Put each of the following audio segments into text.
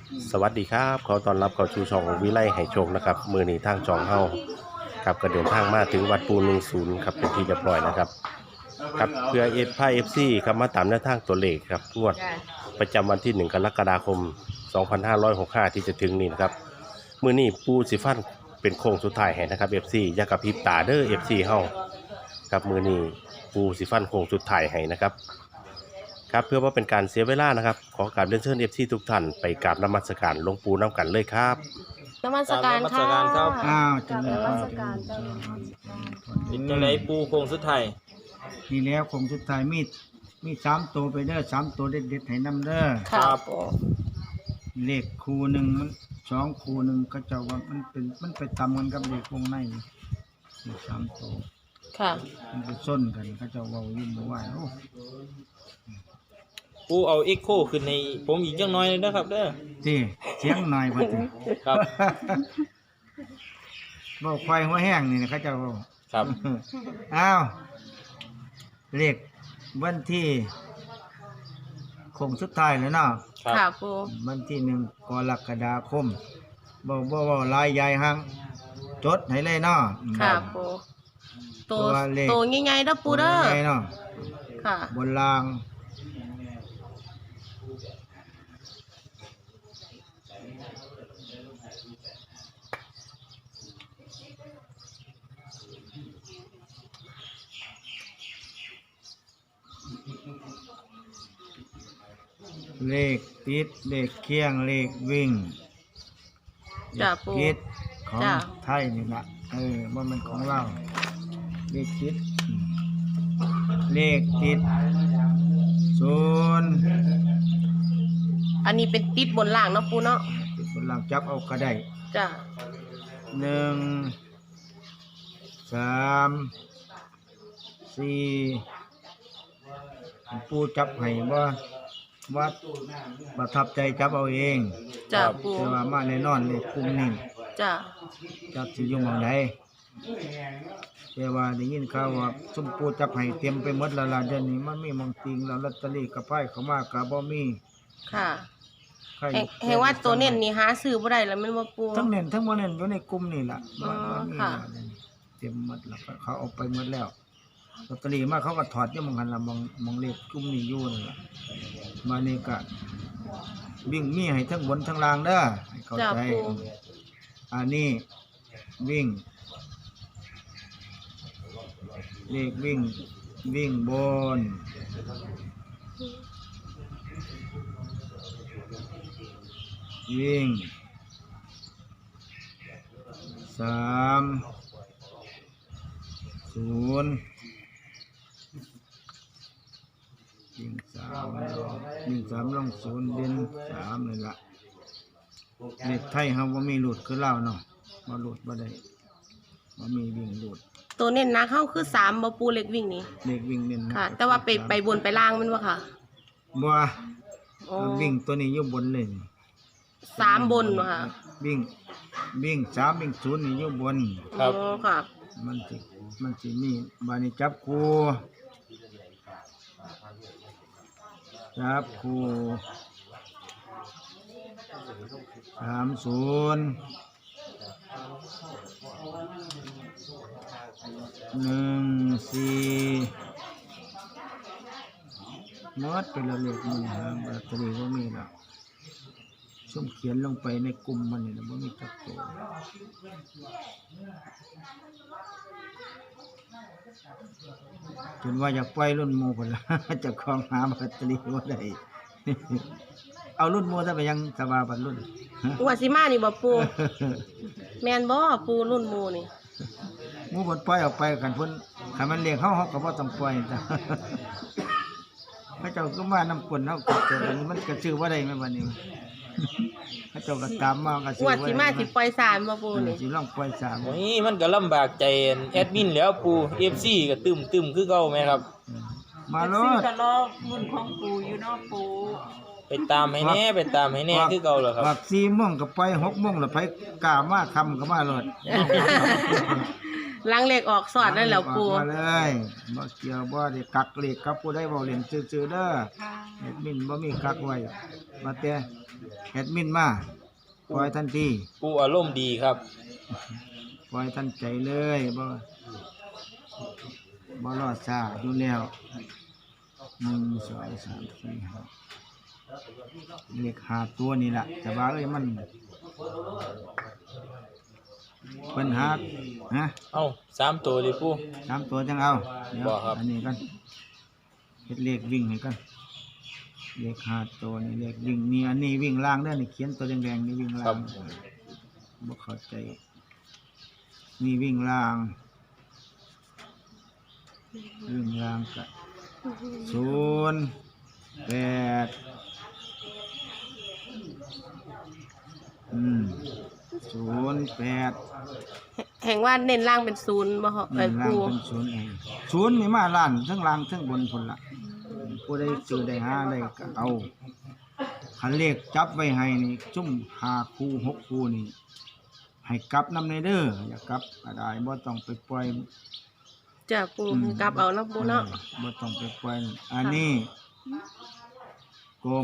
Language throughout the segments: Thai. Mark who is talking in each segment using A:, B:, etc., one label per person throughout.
A: สวัสดีครับขอต้อนรับเข้าสู่ช่องวิไลให้โชคนะครับมือนี้ทางช่องเฮาครับก็เดินทางมาถึงวัดปู10ครับเป็นที่เรียบร้อยนะครับครับเพื่อเอฟซีครับมาตามแนวทางตัวเลขครับงวดประจำวันที่1กรกฎาคม2565ที่จะถึงนี้นะครับมือนี้ปูสิฟันเป็นโค้งสุดท้ายให้นะครับ FC อย่ากระพริบตาเด้อ FC เฮาครับมือนี้ปูสิฟันโค้งสุดท้ายให้นะครับครับเพื่อว่าเป็นการเสียเวลานะครับขอการเรียนเชิญ FC ทุกท่านไปกราบนมัสการหลวงปู่น้ำกันเลยครับ
B: นมัสการ
C: นมัส
B: ค่ะ
C: การครับ
D: อ้าวจัง
B: น
D: เลย
B: มัสการเจ้า
C: เป็นจังไดปูโคงสุดท้าย
D: นี่แล้วคงสุดท้ายมี3ตัวไปเด้อ3ตัวเด็ดๆให้นำเด้อ
B: ครับ
D: เลขคู่หนึ่งมัน2คู่หนึ่งก็จะว่ามันไปตำกันกับเลขวงในนี่3ตัว
B: ค่ะ
D: มันไปส้นกันก็จะเว้าอยู่บ่ว่าโอ้
C: ปูเอาเอ็กโคขึ้นในผมอีกจังน้อยเลยนะครับเด้อ
D: ติเสียงหน่อยบ่ติ
C: ครับ
D: เว้าควายหัวแห้งนี่นะเขาเจะเว้า
C: ครับ
D: อ้าวเลขวันที่คงสุดท้ายแล้วเนาะ
C: ครับ
B: ค่ะปู
D: วันที่1กรกฎาคมบ่ลายใหญ่หังจดให้เลยเนาะ
B: ค่ะปูตัว
D: ตัวเลข
B: ตัวใหญ่ๆเด้อปูเด้อ
D: ใหญ่เนาะ
B: ค่ะ
D: บนรางเลขติดเลขเคียงเลขวิ่ง
B: จ้ะปู
D: คิดของ
B: จ้ะ
D: ไทยนี่ละว่ามันของเราเลขคิดเลขติดศูนย์
B: อันนี้เป็นติดบนล่างเนาะปูเนาะ
D: ติดบนหลังจับเอาก็ได้
B: จ้ะ
D: 1 3 4ปูจับให้ว่าวัดประทับใจจับเอาเอง
B: จ้ะปู
D: แต่ว่ามาแน่นอนเลยกลุ่มนี้
B: จ้ะ
D: จับสิอยู่หม่องใดแต่ว่าได้ยินข่าวว่าซุมปูจับให้เตรียมไปหมดแล้วล่ะเดี๋ยวนี้มันมีหมองติงแล้วลอตเตอรี่กับไพ่เข้ามาก็บ่มี
B: ค่ะ
D: ใคร
B: แห่งว่าตัวเน้นนี่หาซื้อบ่ได้แล้วแม่นบ่ปู
D: ทั้งเน้นทั้งบ่เน้นอยู่ในกลุ่มนี่ล่ะ
B: อ๋อ
D: บ่มี
B: ค่ะ
D: แล้วเตรียมหมดแล้วเขาเอาไปหมดแล้วลอตเตอรี่มาเขาก็ถอดอยู่หมองหันล่ะมองเลขกลุ่มนี้อยู่นั่นล่ะมานี่ก็วิ่งมีให้ทั้งบนทั้งล่างเด้อให้เข้า
B: จ้ะ
D: ใจ
B: ปู
D: อันนี้วิ่งเลขวิ่งบนวิ่ง30วิ่ง3ลง0เด่น3นี่ล่ะเลขไทยเฮาบ่มีหลุดคือลาวเนาะบ่หลุดบ่ได้บ่มีวิ่งหลุด
B: ตัวเน้นนะเข้าคือ3บ่ปูเล็กวิ่งนี่
D: เลขวิ่งเน้นนะ
B: ค่ะ แต่ว่าไปบนไปล่างแม่นบ่ค่ะ
D: บ่
B: อ๋อ
D: วิ่งตัวนี้อยู่บนเลยนี่
B: 3บนบ่ค่ะ
D: วิ่ง3วิ่ง0นี่อยู่บน
C: ครับ
B: อ๋อค่ะ
D: มันสิมีบานี้จับคู่30 14หมดไปแล้วเลขมันหาแบตเตอรี่บ่มีแล้วซุ่มเขียนลงไปในกลุ่มมันนี่นะบ่มีจักตัวจนว่าอยากปล่อยรุ่นหมู่พุ่นล่ะ เจะคลองหาแบตเตอรี่บ่ได้ เอารุ่นหมู่ซะไปยังสบายบัดรุ่น
B: งวดสิมานี่บ่ปูแม่นบ่ปูรุ่นหมู่นี่
D: หมู่เพิ่นปล่อยออกไปกันเพิ่นคันมันเลี้ยงเฮาก็บ่ต้องปล่อยจ้ะ พระเจ้าก็มานำกลเฮาก็แต่บัดนี้มันก็ซื้อบ่ได้แม่บัดนี้ พระเจ้าก็ตามมาก็ซื้
B: ง
D: อ
B: วด
D: บ่
B: สิ
D: ได้
B: มาสิปล่อยสารบ่ปูนี่
D: สิลองปล่อยสาม
C: โอ้ยมันก็ลำบากใจแอดมินแล้วปู FC ก็ตึมคือเก่าแม่ครับ
D: มาโล
E: ซื้อ
D: ด
E: กระลอกรุ่นของปูอยู่เนาะปู
C: ไปตามให้แน่คือเก่าแล้วครับ
D: ว่า4โมงก็ไป6โมงแล้วไปกล้ามาค่ำก็มาโลด
B: ล้างเลขออกสอดได้แล้วปู
D: มาเลยบ่เกี่ยวบ่ได้กักเลขกับผู้ใดเว้าเล่นซื่อๆเด้อ
E: ค่ะ
D: เฮ็ดมินบ่มีกักไว้มาแต่แอดมินมาปล่อยทันที
C: ปูอารมณ์ดีครับ
D: ปล่อยทันใจเลยบ่รอดซ่าอยู่แล้ว1 2 3 4 5เลข5ตัวนี่ล่ะแต่ว่าเอ้ยมันเพิ่นหาฮะ
C: เอ้า3ตัวเลยปู
D: 3ตัวจังเอาเดี๋ยว
C: บ่ครับ
D: อันนี้กันเฮ็ดเลขวิ่งให้กันเลข5ตัวนี่เลขวิ่งนี่อันนี้วิ่งล่างเด้อนี่เขียนตัวแดงๆนี่วิ่งล่างบ่เข้าใจนี่วิ่งล่างก็08 08
B: แห่งว่าเน้นล่างเป็นศูนย์บ่เหรอ
D: ล่าง
B: ปู
D: เป็น0เอง0นี่มาล้านทั้งล่างทั้งบนพุ่นล่ะผู้ใดซื้อได้หาได้ก็เอาคันเลขจับไว้ให้นี่จุ่ม5คู่6คู่นี่ให้กลับนำในเด้ออย่ากลับก็ได้บ่ต้องไปปล่อย
B: จ้ะปูกลับเอาเนาะปูเนาะ
D: บ่ต้องไปปล่อยอันนี้กลม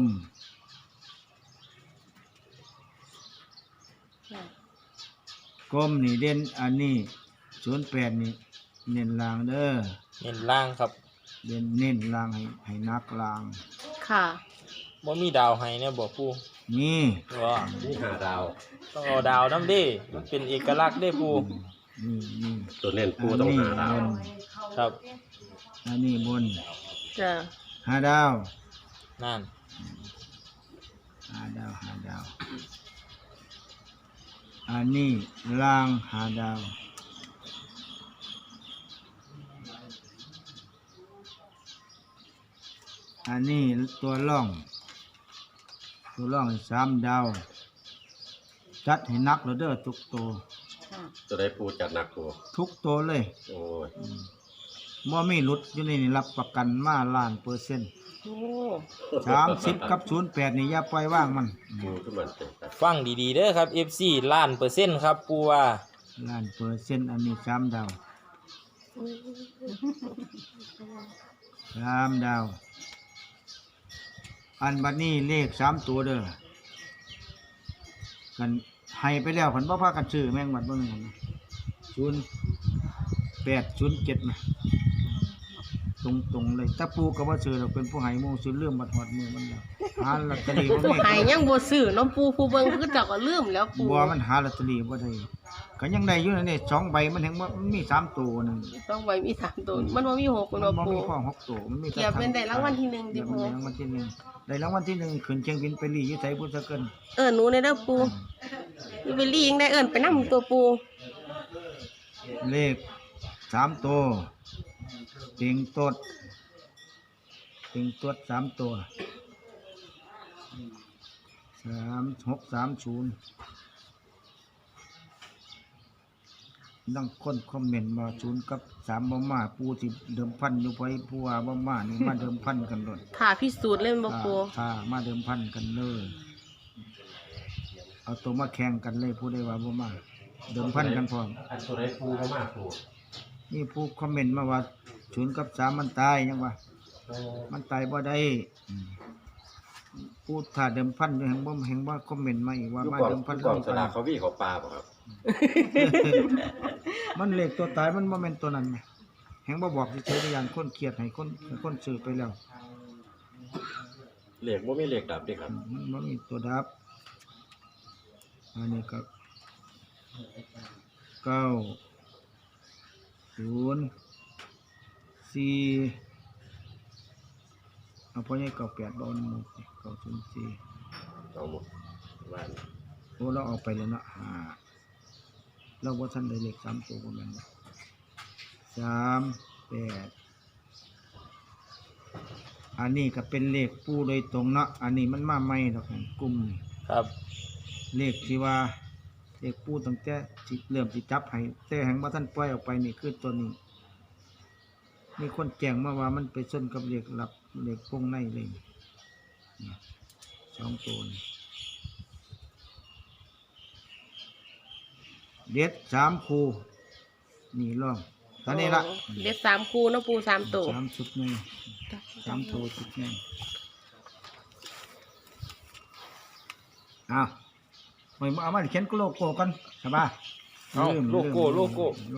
D: นี่เด่นอันนี้08นี่เน้นล่างเด้อ
C: เน้นล่างครับ
D: เน้นล่างให้นักล่าง
B: ค่ะ
C: บ่มีดาวให้เนี่ยบ่ปู
D: นี่
C: ว่า
A: นี่5ดาว
C: ต้องเอาดาวน้ำเด้มันเป็นเอกลักษณ์เด้ปู
D: นี่
A: ตัวเน้นปูต้อง5ดาว
D: บน
C: ครับ
D: อันนี้บน
B: จ้ะ
D: 5 ดาว
C: นั่น
D: 5 ดาวอันนี้ล่าง5 ดาวอันนี้ตัวร่อง3 ดาวจัดให้นักแล้วเด้อทุกตัว
A: จะได้ปูจัดหนักตัว
D: ทุกตัวเลย
A: โอ้ย
D: บ่มีหลุดอยู่ในนี่รับประกันมาล้านเปอร์เซ็นต์
B: โอ้
D: 30กับ08นี่อย่าปล่อยว่างมัน
A: ปูขึ้นมาเต็มครับ
C: ฟังดีๆเด้อครับ FC ล้านเปอร์เซ็นต์ครับปูว่า
D: ล้านเปอร์เซ็นต์อันนี้3 ดาว3 ดาวอันบัดนี้เลข3ตัวเด้อกันให้ไปแล้วเพิ่นบ่พากันซื้อแม่งบัดเบิ่งกัน0807นะตรงๆเลยตะปูก็บ่ซื้อดอกเป็นผู้ให้หมู่ซื้อเรื่องบัดฮอดมือมันแล้วหาลอตเตอรี่บ่
B: ผู้
D: มี
B: หายยังบ่ซื้อเนาะปูผู้เบิ่งคือเจักก็ลืมแล้วปู
D: บัวมันหาลอตเตอรี่บ่ได้ก็ยังได้อยู่นั่นนี่2ใบมันแฮงว่ามันมี3ตัวนึง
B: ต้องไว้มี3ตัวมันบ่มี6
D: มั
B: เนาะ
D: นบ่
B: ปู
D: มีข้อ6ตัวมันมี
B: เกียบเป็นได้รางวัลที่1ดิ
D: เดี๋ยว
B: ปู
D: มันได้รางวัลที่1ได้รางวัลที่1ขึ้นเชียงบินไปลีอยู่ไสพุทธเกิน
B: หนูในเด้อปูอีเวลลี่ยังได้ไปนำตัวปู
D: เลข3ตัวเต็งตด3ตัว3630ดังคนคอมเมนต์มา0กับ3บ่มาปูสิเดิมพันอยู่ไผผู้ว่าบ่มานี่มาเดิมพันกันโดด
B: ถ้าพิสูจน์เล่นบ่ปู
D: ถ้ามาเดิมพันกันเลยเอาตัวมาแข่งกันเลยผู้ใดว่าบ่มาเดิมพันกันพร้อม
A: อันตัวได้ปูก็มากปู
D: นี่ผู้คอมเมนต์มาว่า0กับ3มันตายยังว่ามันตายบ่ได้ผู้ถ้าเดิมพันอยู่แห่งบ่คอมเมนต์มาอีกว่ามาเดิมพัน
A: กล่องสลากเขาวี่เขาปลาป่ะครับ
D: มันเลขตัวตายมันบ่แม่นตัวนั้นแหมแห่งบ่บอกสิเฉยๆอย่างคนเครียดให้คนซื้อไปแล้ว
A: เหล็กว่าไม่เหล็กดับดิครับ
D: มันบ่มีตัวดับอันนี้ก็904เอาพอให้98บ่เอาหมด904
A: เอาหมดบ้าน
D: โอ้เราเอาไปแล้วเนาะเราบ่ทันได้เลข3ตัวบ่แม่นบ่38อันนี้ก็เป็นเลขปูโดยตรงเนาะอันนี้มันมาใหม่ดอกกลุ่มนี่
C: ครับ
D: เลขที่ว่าเลขปูตั้งแต่ที่เริ่มสิจับให้แต่แห่งบ่ทันปล่อยออกไปนี่คือตัวนี้มีคนแจ้งมาว่ามันไปชนกับเลขหลับเลขวงในเลยนี่2ตัวนี่เด็ด3คู่นี่ลองตอนนี้ละ
B: เด็ด3คู่เนาะปู3ตัว
D: 3ชุดนี่3ตัวชุดนี่อ้าวไม่เอามาเขียนโลโก้กันใช่ป่ะ
C: เอาโลโก้
D: ลืม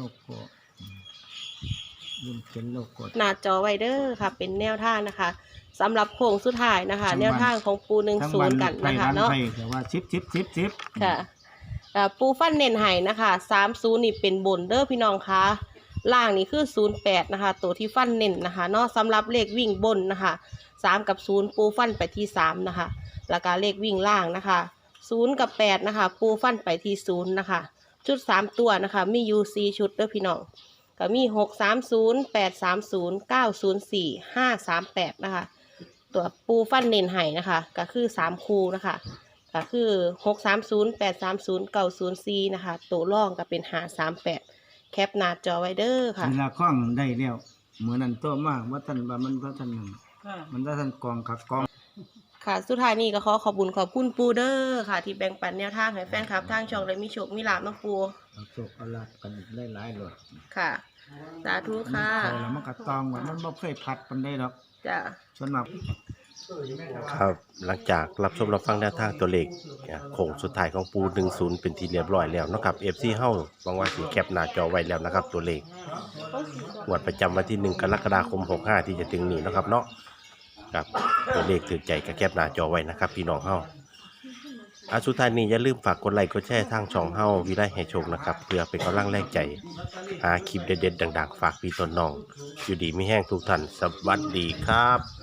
D: เขียนโลโก้
B: หน้าจอไวเดอร์ค่ะ เป็นแนวทางนะคะสำหรับโค้งสุดท้ายนะคะ แนวทางของปู10กันนะคะเนาะ
D: แต่ว่า10
B: ค่ะปูฟันเน้นไห้นะคะ30นี่เป็นบนเด้อพี่น้องคะล่างนี่คือ08นะคะตัวที่ฟันเน้นนะคะเนาะสำหรับเลขวิ่งบนนะคะ3กับ0ปูฟันไปที่3นะคะแล้วก็เลขวิ่งล่างนะคะ0กับ8นะคะปูฟันไปที่0นะคะชุด3ตัวนะคะมีอยู่4ชุดเด้อพี่น้องก็มี630 830 904 538นะคะตัวปูฟันเน้นไห้นะคะก็คือ3คู่นะคะก็คือ630 830 904นะคะตัวร่องก็เป็น538แคปหน้าจอไว้เด้อค่ะ
D: เวลาคล้องได้แล้วเหมือนนั้นตัวมากว่าท่านว่ามันว่าท่าน
E: ค่ะ
D: มันว่าท่านกองขักกอง
B: ค่ะสุดท้ายนี้ก็ขอบคุณปูเด้อค่ะ ที่แบ่งปันแนวทางให้แฟนคลับทางช่องได้มีโชคมีลาภเนาะปู
D: เอาโชคเอาลาภกันหลายๆเลย
B: ค่ะสาธุค่ะ
D: เขาแล้วมันก็ตองว่ามันบ่เคยผัดปานใดดอก
B: จ้ะ
D: ส่วนมาก
A: ครับหลังจากรับชมรับฟังแนวทางตัวเลขโค้งสุดท้ายของปู10เป็นที่เรียบร้อยแล้วเนาะครับ FC เฮาหวังว่าสิแคปหน้าจอไว้แล้วนะครับตัวเลขงวดประจำวันที่1กรกฎาคม65ที่จะถึงนี้เนาะครับเนาะครับตัวเลขถือใจก็แคปหน้าจอไว้นะครับพี่น้องเฮาสุดท้ายนี้อย่าลืมฝากกดไลค์กดแชร์ทางช่องเฮาวิไลให้โชคนะครับเพื่อเป็นกำลังแรงใจหาคลิปเด็ดๆดังๆฝากพี่ต้นน้องอยู่ดีไม่แห้งทุกท่านสวัสดีครับ